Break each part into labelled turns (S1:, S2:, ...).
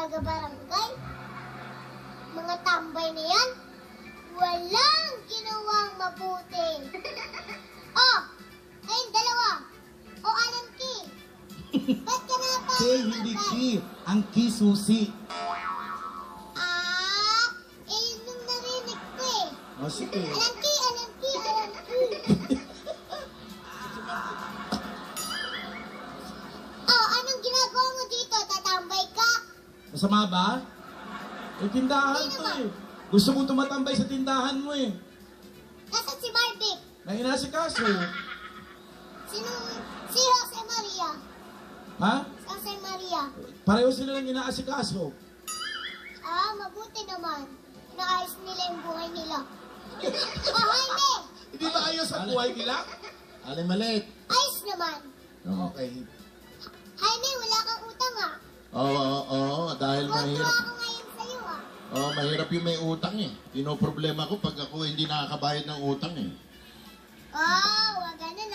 S1: taga-barangay. Mga tambay na yan, walang ginawang mabuti. Oh, ayun, dalawa. O, Alan Key. Ba't ka na pa?
S2: Key, hindi Key. Ang Key susi.
S1: Yun yung narinig ko eh.
S2: O, sige.
S1: Alan Key, Alan Key, Alan Key. Oh, anong ginagawa mo dito? Tatambay ka?
S2: Masama ba? Eh, tindahan
S1: Hindi
S2: to
S1: naman.
S2: eh. Gusto mo tumatambay sa tindahan mo eh.
S1: Nasaan si Marvick?
S2: May inasikaso.
S1: Si Jose Maria.
S2: Ha?
S1: Jose Maria.
S2: Pareho sila lang inaasikaso.
S1: Mabuti naman. Naayos nila yung buhay nila. Jaime!
S2: Hindi ba ayos ang buhay nila?
S3: Alin malit.
S1: Ayos naman.
S2: Okay.
S1: Jaime, wala kang utang
S3: Oo, dahil
S1: Tuwa
S3: mahirap.
S1: ako ngayon sa'yo
S3: Mahirap yung may utang eh. Pinoproblema ko pag ako hindi nakakabayad ng utang eh.
S1: Wag ganun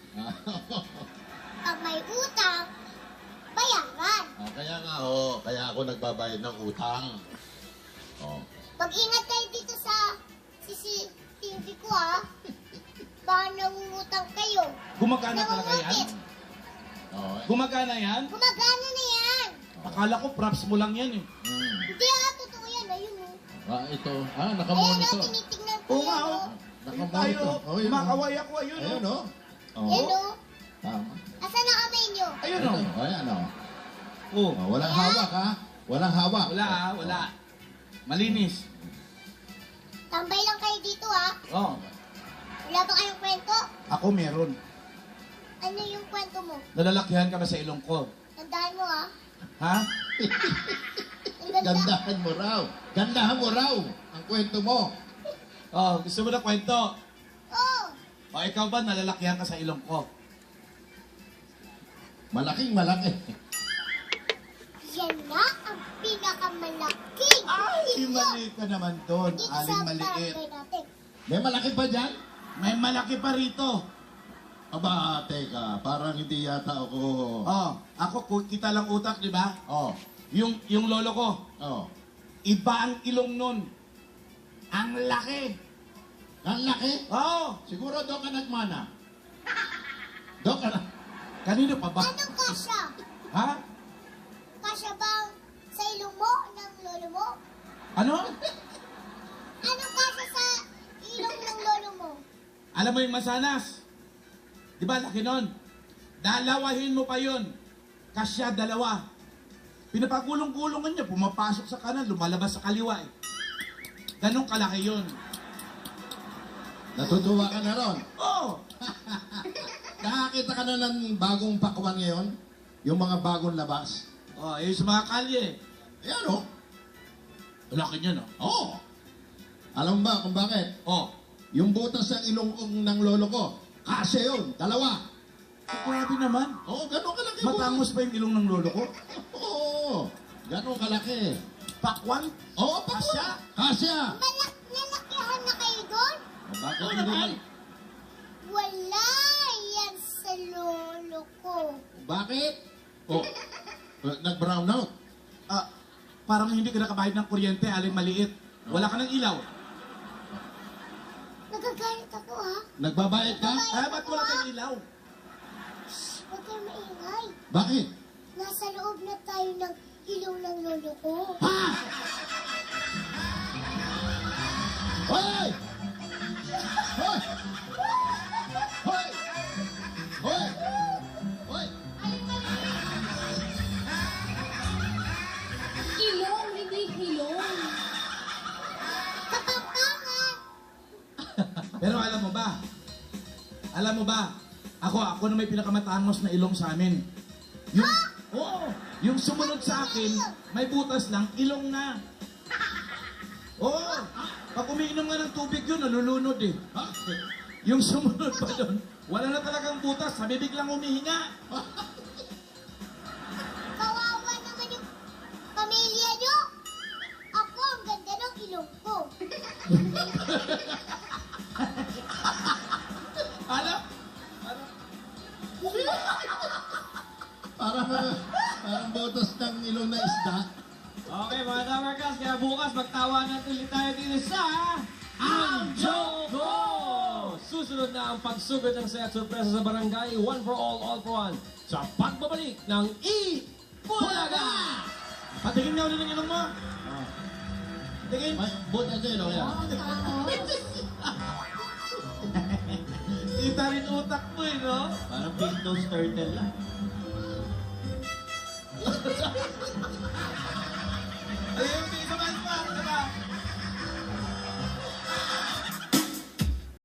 S1: Pag may utang, bayaran.
S3: Kaya ako nagbabayad ng utang.
S1: Pag-ingat kayo dito sa CCTV ko Baka nangungutang kayo.
S2: Gumagana talaga yan?
S1: Nangungutit.
S2: Gumagana yan?
S1: Gumagana na yan.
S2: Akala ko props mo lang yan eh.
S1: Hindi totoo yan. Ayun
S3: Ito.
S1: Ayun
S3: Nakamonitor.
S1: tinitignan ko
S2: Oo nga
S1: yan
S2: oh.
S3: Nakamonitor.
S2: Tayo, kumakaway ako. Ayun
S3: Ayun
S2: oh.
S1: Yan
S3: Tama.
S1: Asan ang kamay nyo?
S2: Ayun oh.
S3: Ayan
S2: Oh.
S3: Walang hawak ha. Walang hawak.
S2: Wala wala. Malinis.
S1: Tambay lang kayo dito
S2: Oh.
S1: Wala ba kayong kwento?
S2: Ako meron.
S1: Ano yung kwento mo?
S2: Nalalakyan ka ba sa ilong ko?
S1: Tandaan mo
S2: Ha?
S1: Ang ganda.
S3: Gandahan mo raw ang kwento mo.
S2: Oh, gusto mo na kwento?
S1: Oh,
S2: O ikaw ba nalalakyan ka sa ilong ko?
S3: Malaking malaki.
S1: yan na ang pinakamalaking.
S2: Ay, mali ka naman doon.
S1: Dito
S2: Aling
S1: sa
S2: maliit.
S1: barangay natin.
S3: May malaki pa dyan?
S2: May malaki pa rito.
S3: Aba, teka. Parang hindi yata ako...
S2: Oh, ako kita lang utak, di ba?
S3: Oh.
S2: Yung lolo ko,
S3: Oh.
S2: iba ang ilong nun. Ang laki.
S3: Ang laki?
S2: Oh,
S3: Siguro doon ka nagmana. Doon ka na.
S2: kanino pa ba?
S1: Anong kasya?
S2: Ha?
S1: Kasya bang sa ilong mo ng lolo mo?
S2: Ano?
S1: Anong kasya sa ilong ng lolo mo?
S2: Alam mo yung masanas? Di ba laki nun? Dalawahin mo pa yun. Kasya dalawa. Pinapagulong-gulungan niya, pumapasok sa kanan, lumalabas sa kaliwa eh. Ganong kalaki yun.
S3: Natutuwa ka na ron.
S2: Oh!
S3: Nakakita ka na ng bagong pakwan ngayon? Yung mga bagong labas?
S2: Oh, yung sa mga kalye.
S3: Ayan o.
S2: Laki niya no?
S3: Oo. Alam mo ba kung bakit?
S2: Oh.
S3: Yung butas ng ilong ng lolo ko, kasya yun, dalawa.
S2: Grabe naman.
S3: Oo, gano'n kalaki butas.
S2: Matangos pa yung ilong ng lolo ko.
S3: Oo, gano'n kalaki.
S2: Pakwan?
S3: Oo,
S2: Kasya?
S3: Kasya.
S1: Nalakihan na kayo doon?
S3: Bakit
S2: Oo
S3: hindi
S2: naman.
S3: mo-
S1: Wala yan sa lolo ko.
S3: Bakit? Oh, nag-brown out.
S2: Parang hindi ka nakabayad ng kuryente, aling maliit. Wala ka ng ilaw.
S1: Nagagalit ako
S3: Nagbabayad ka?
S2: Ba't wala kang ilaw?
S1: Huwag kayo maingay.
S3: Bakit?
S1: Nasa loob na tayo ng ilong ng lolo ko.
S3: Ha? Hoy! Hoy! Hoy! Hoy! Hoy!
S1: Ilong, hindi ilong. Kapampangan!
S2: Pero alam mo ba, ako na may pinakamatangos na ilong sa amin. Yung sumunod sa akin, may butas lang, ilong na. Oo, pag umiinom nga ng tubig yun, nalulunod eh.
S3: Ha?
S2: Yung sumunod pa doon, wala na talagang butas, sa bibig lang humihinga.
S1: Kawawa naman yung pamilya nyo. Ako, ang ganda ng ilong ko.
S2: Alam?
S3: Parang butas ng ilong na isda.
S4: Okay, mga Tamarkas, kaya bukas magtawanan ulit tayo dito sa Ang Joko! Susunod na ang pagsugod ng saya at sorpresa sa barangay, one for all for one, sa pagbabalik ng Bulaga!
S2: Patingin nga ulit ng ilong mo. Tingin.
S3: Buti ito yun, yan.
S2: Kita rin utak mo eh, no?
S4: Parang Pintos turtle lang.
S2: Ayun,